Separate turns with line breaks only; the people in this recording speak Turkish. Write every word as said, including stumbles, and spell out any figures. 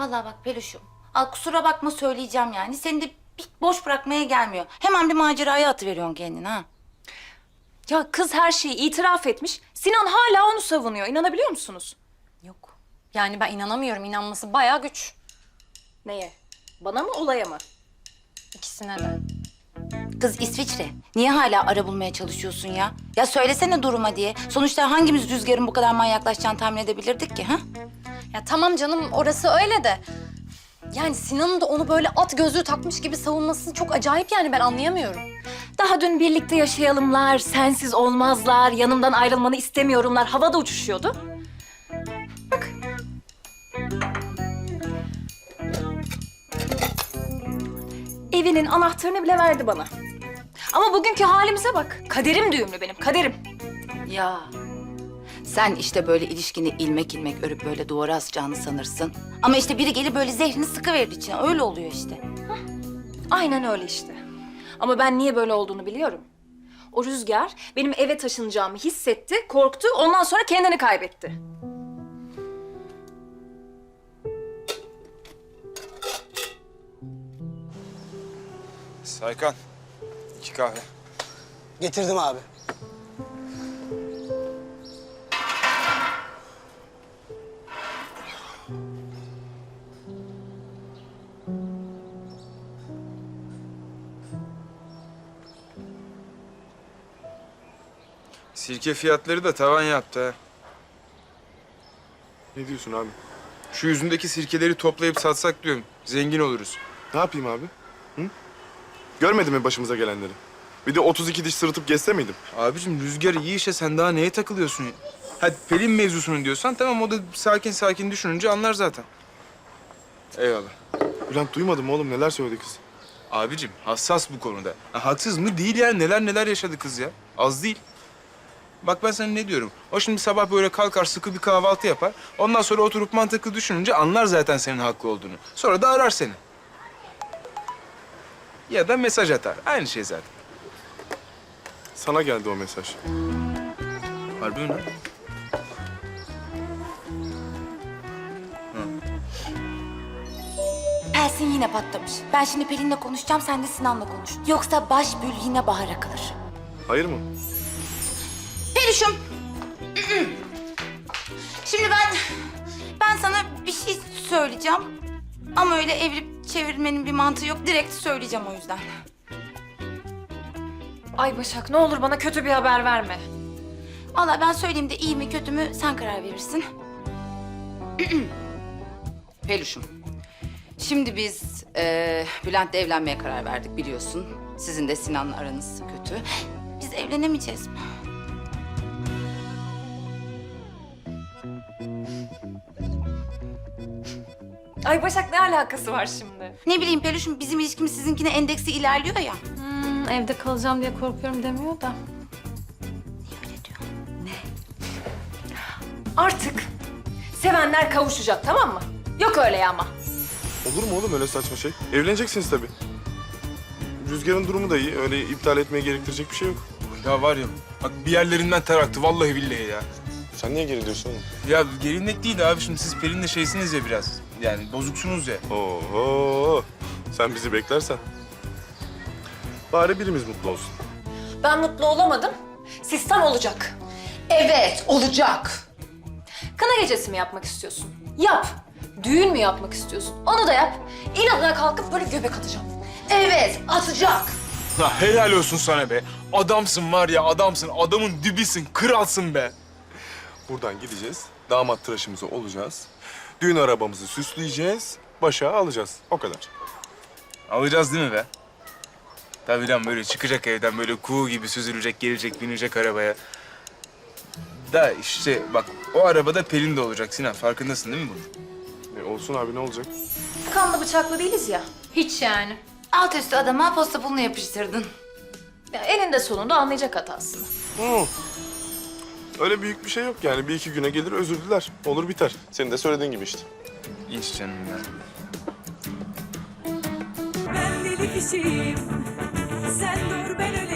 Vallahi bak Peluş'um. Al kusura bakma söyleyeceğim yani. Seni de bir boş bırakmaya gelmiyor. Hemen bir maceraya atıveriyorsun kendini ha.
Ya kız her şeyi itiraf etmiş. Sinan hala onu savunuyor. İnanabiliyor musunuz?
Yok. Yani ben inanamıyorum. İnanması bayağı güç.
Neye? Bana mı, olaya mı?
İkisine de.
Kız İsviçre. Niye hala ara bulmaya çalışıyorsun ya? Ya söylesene duruma diye. Sonuçta hangimiz Rüzgar'ın bu kadar manyaklaşacağını tahmin edebilirdik ki ha?
Ya tamam canım, orası öyle de. Yani Sinan'ın da onu böyle at gözlüğü takmış gibi savunması çok acayip, yani ben anlayamıyorum.
Daha dün birlikte yaşayalımlar, sensiz olmazlar, yanımdan ayrılmanı istemiyorumlar havada uçuşuyordu. Bak. Evinin anahtarını bile verdi bana. Ama bugünkü halimize bak. Kaderim düğümlü benim, kaderim.
Ya sen işte böyle ilişkini ilmek ilmek örüp böyle duvara asacağını sanırsın. Ama işte biri gelip böyle zehrini sıkıverir içine. Öyle oluyor işte.
Aynen öyle işte. Ama ben niye böyle olduğunu biliyorum. O Rüzgar benim eve taşınacağımı hissetti, korktu. Ondan sonra kendini kaybetti.
Saykan, iki kahve.
Getirdim abi.
Sirke fiyatları da tavan yaptı ha.
Ne diyorsun abi?
Şu yüzündeki sirkeleri toplayıp satsak diyorum. Zengin oluruz.
Ne yapayım abi? Hı? Görmedin mi başımıza gelenleri? Bir de otuz iki diş sırıtıp gezse miydim?
Abicim Rüzgar iyi işe sen daha neye takılıyorsun ya? Hadi Pelin mevzusunu diyorsan tamam, o da sakin sakin düşününce anlar zaten. Eyvallah.
Bülent duymadın mı oğlum, neler söyledi kız?
Abicim hassas bu konuda. Ha, haksız mı? Değil yani, neler neler yaşadı kız ya. Az değil. Bak ben sana ne diyorum. O şimdi sabah böyle kalkar sıkı bir kahvaltı yapar. Ondan sonra oturup mantıklı düşününce anlar zaten senin haklı olduğunu. Sonra da arar seni. Ya da mesaj atar. Aynı şey zaten.
Sana geldi o mesaj.
Harbi mi lan?
Pelsin yine patlamış. Ben şimdi Pelin'le konuşacağım, sen de Sinan'la konuş. Yoksa baş bül yine bahara kalır.
Hayır mı?
Peluş'um. Şimdi ben... Ben sana bir şey söyleyeceğim. Ama öyle evirip çevirmenin bir mantığı yok. Direkt söyleyeceğim o yüzden.
Ay Başak, ne olur bana kötü bir haber verme.
Vallahi ben söyleyeyim de iyi mi kötü mü sen karar verirsin. Peluş'um. Şimdi biz e, Bülent'le evlenmeye karar verdik biliyorsun. Sizin de Sinan'la aranız kötü. Biz evlenemeyeceğiz mi?
Ay Başak, ne alakası var şimdi?
Ne bileyim Peluş'um, bizim ilişkimiz sizinkine endeksi ilerliyor ya.
Hmm, evde kalacağım diye korkuyorum demiyor da.
Öyle diyor.
Artık sevenler kavuşacak, tamam mı? Yok öyle ya ama.
Olur mu oğlum öyle saçma şey? Evleneceksiniz tabii. Rüzgar'ın durumu da iyi. Öyle iptal etmeye gerektirecek bir şey yok.
Ya var ya, bak bir yerlerinden ter aktı vallahi billahi ya.
Sen niye geri diyorsun oğlum?
Ya gelinlik değil abi, şimdi siz Pelin'le şeysiniz ya biraz. Yani bozuksunuz ya.
Oho! Sen bizi beklersen. Bari birimiz mutlu olsun.
Ben mutlu olamadım. Sistem olacak.
Evet, olacak.
Kına gecesi mi yapmak istiyorsun? Yap. Düğün mü yapmak istiyorsun? Onu da yap. İnadına kalkıp böyle göbek atacağım.
Evet, atacak.
Ha, helal olsun sana be. Adamsın var ya, adamsın. Adamın dibisin, kralsın be.
Buradan gideceğiz. Damat tıraşımızı olacağız. Düğün arabamızı süsleyeceğiz. Başa alacağız. O kadar.
Alacağız değil mi be? Tabii lan, böyle çıkacak evden böyle kuğu gibi süzülecek, gelecek, binecek arabaya. Da işte bak, o arabada Pelin de olacak Sinan. Farkındasın değil mi bunun?
E, olsun abi, ne olacak?
Kanlı bıçaklı değiliz ya.
Hiç yani.
Alt üstü adama posta pulunu yapıştırdın.
Ya eninde sonunda anlayacak hatasını.
Hı. Öyle büyük bir şey yok yani. Bir iki güne gelir özür diler. Olur biter. Senin de söylediğin gibi işte.
İş canım ya.
Ben deli kişiyim. Sen dur ben öleyim.